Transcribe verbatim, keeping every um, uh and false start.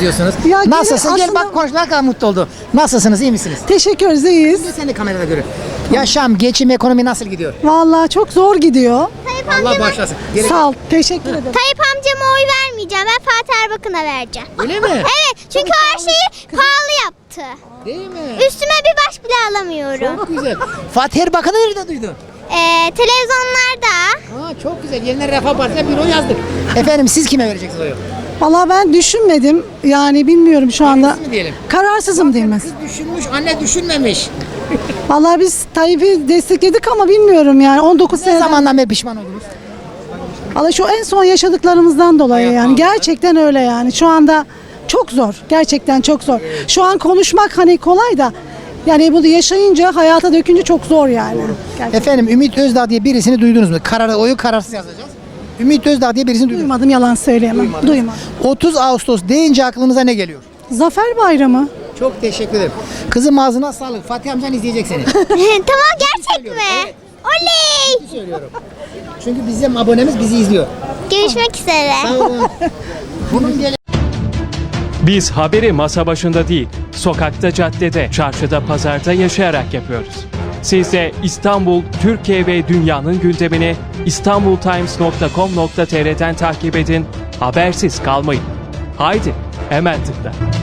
benziyorsunuz. Ya gene Nasılsın? Gel aslında- bak konuş, ne kadar mutlu oldu. Nasılsınız? İyi misiniz? Teşekkür ederiz, iyiyiz. Sen de kamerada görün. Yaşam, geçim, ekonomi nasıl gidiyor? Vallahi çok zor gidiyor. Tayyip Allah amcama, bağışlasın. Gerek- Sağ ol, teşekkür ederim. Tayyip amcama oy vermeyeceğim. Ben Fatih Erbakan'a vereceğim. Öyle mi? Evet, çünkü her şeyi pahalı yaptı. Değil mi? Üstüme bir baş bile alamıyorum. Çok güzel. Fatih Erbakan'ı nerede duydun? Ee, televizyonlarda Ha, çok güzel. Yeniden Refah Partisi'ne bir oy yazdık. Efendim siz kime vereceksiniz oyu? Vallahi ben düşünmedim. Yani bilmiyorum şu anda. Kararsız mı diyelim? Kararsızım diyeyim. Kız düşünmüş, anne düşünmemiş. Vallahi biz Tayyip'i destekledik ama bilmiyorum yani on dokuz Ne sene zaman. zamandan beri pişman oldunuz? Vallahi şu en son yaşadıklarımızdan dolayı Hayat yani pahalı. gerçekten öyle yani. Şu anda çok zor. Gerçekten çok zor. Şu an konuşmak hani kolay da yani bunu yaşayınca, hayata dökünce çok zor yani. Gerçekten. Efendim Ümit Özdağ diye birisini duydunuz mu? Kararı, oyu kararsız yazacağız. Ümit Özdağ diye birisini duydunuz mu? Duymadım, yalan söyleyemem. Duymadım. otuz Ağustos deyince aklınıza ne geliyor? Zafer Bayramı. Çok teşekkür ederim. Kızım ağzına sağlık. Fatih amcan izleyecek seni. tamam, gerçek söylüyorum, mi? evet. Oley! Söylüyorum. Çünkü bizim abonemiz bizi izliyor. Görüşmek üzere. Sağ olun. Bunun gele- Biz haberi masa başında değil, sokakta, caddede, çarşıda, pazarda yaşayarak yapıyoruz. Siz de İstanbul, Türkiye ve dünyanın gündemini istanbultimes nokta com nokta tr'den takip edin, habersiz kalmayın. Haydi, hemen tıkla.